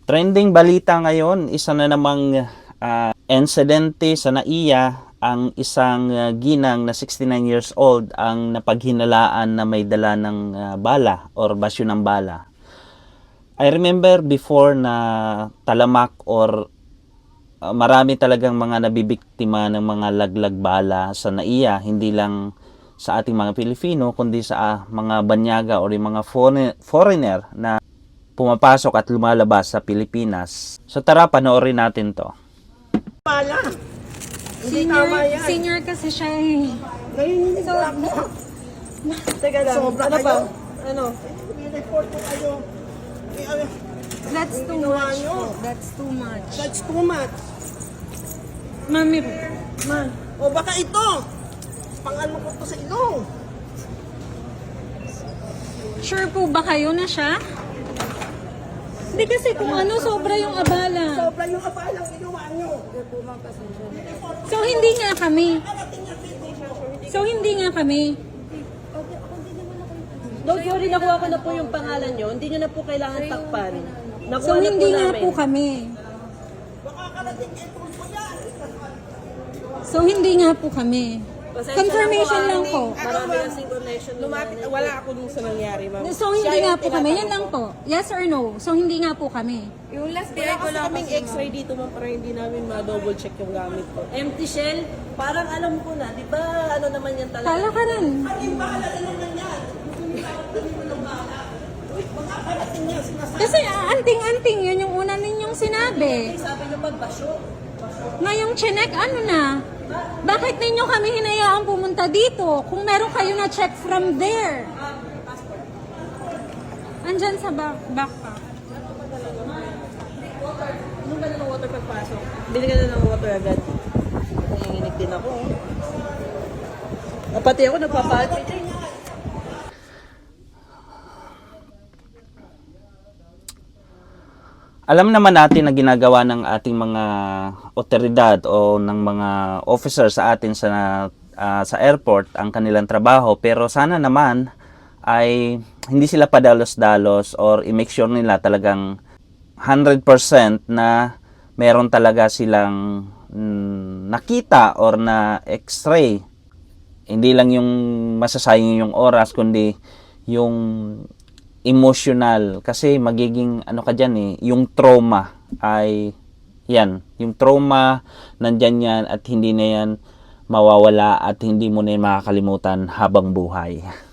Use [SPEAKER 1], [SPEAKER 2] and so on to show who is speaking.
[SPEAKER 1] Trending balita ngayon, isa na namang insidente sa NAIA, ang isang ginang na 69 years old ang napaghinalaan na may dala ng bala or basyo ng bala. I remember before na talamak or marami talagang mga nabibiktima ng mga laglag bala sa NAIA, hindi lang sa ating mga Pilipino kundi sa mga banyaga o yung mga foreigner na pumapasok at lumalabas sa Pilipinas. So tara, panoorin natin to.
[SPEAKER 2] Pala. Hindi tama yan.
[SPEAKER 3] Senior kasi siya eh.
[SPEAKER 2] Ngayon
[SPEAKER 3] So,
[SPEAKER 2] teka lang.
[SPEAKER 4] Sobra
[SPEAKER 2] Ano
[SPEAKER 4] kayo?
[SPEAKER 2] ba? Ano?
[SPEAKER 4] I-report ko kayo.
[SPEAKER 3] that's too
[SPEAKER 2] Ginawa
[SPEAKER 3] much
[SPEAKER 2] nyo.
[SPEAKER 3] po. That's too much.
[SPEAKER 2] That's too much.
[SPEAKER 3] Mami,
[SPEAKER 2] Man. O baka ito. Pang-ano ko to sa ilong.
[SPEAKER 3] sure po ba kayo na siya? Hindi kasi kung ano, sobra yung abala.
[SPEAKER 2] Sobra yung apalang ginawa nyo.
[SPEAKER 3] So, hindi nga kami. So, hindi nga kami.
[SPEAKER 2] Don't worry, nakuha ko na po yung pangalan nyo. Hindi nyo na po kailangan takpan. Nakuha
[SPEAKER 3] So,
[SPEAKER 2] na
[SPEAKER 3] hindi
[SPEAKER 2] po
[SPEAKER 3] nga
[SPEAKER 2] namin.
[SPEAKER 3] po kami. So, hindi nga po kami. Confirmation lang po.
[SPEAKER 2] Marami kasing connection. Wala ako dun sa nangyari, ma'am.
[SPEAKER 3] So, hindi nga po kami. Yan lang po. Yes or no? So, hindi nga po kami.
[SPEAKER 2] Yung last day ko lang kaming x-ray dito, ma'am, para hindi namin ma-double check yung gamit ko. Empty shell? Parang alam ko na, di ba ano naman yan talaga?
[SPEAKER 3] Kala ka rin. Kasi anting-anting, yun yung una ninyong sinabi.
[SPEAKER 2] Sabi nyo pagbasyo.
[SPEAKER 3] Ngayong chinek, ano na? Bakit ninyo kami hinayaang pumunta dito? Kung meron kayo na check from there. Andyan sa backpack.
[SPEAKER 2] Ano ba na ng water pagpasok? Bili ka na ng water agad. Nanginginig din ako. Pati ako nagpapalpitate.
[SPEAKER 1] Alam naman natin na ginagawa ng ating mga otoridad o ng mga officer sa atin sa airport ang kanilang trabaho, pero sana naman ay hindi sila padalos-dalos or i-make sure nila talagang 100% na meron talaga silang nakita or na x-ray. Hindi lang yung masasayang yung oras kundi yung emotional, kasi magiging ano ka dyan eh, yung trauma ay yan, yung trauma nandyan yan at hindi na yan mawawala at hindi mo na yan makakalimutan habang buhay.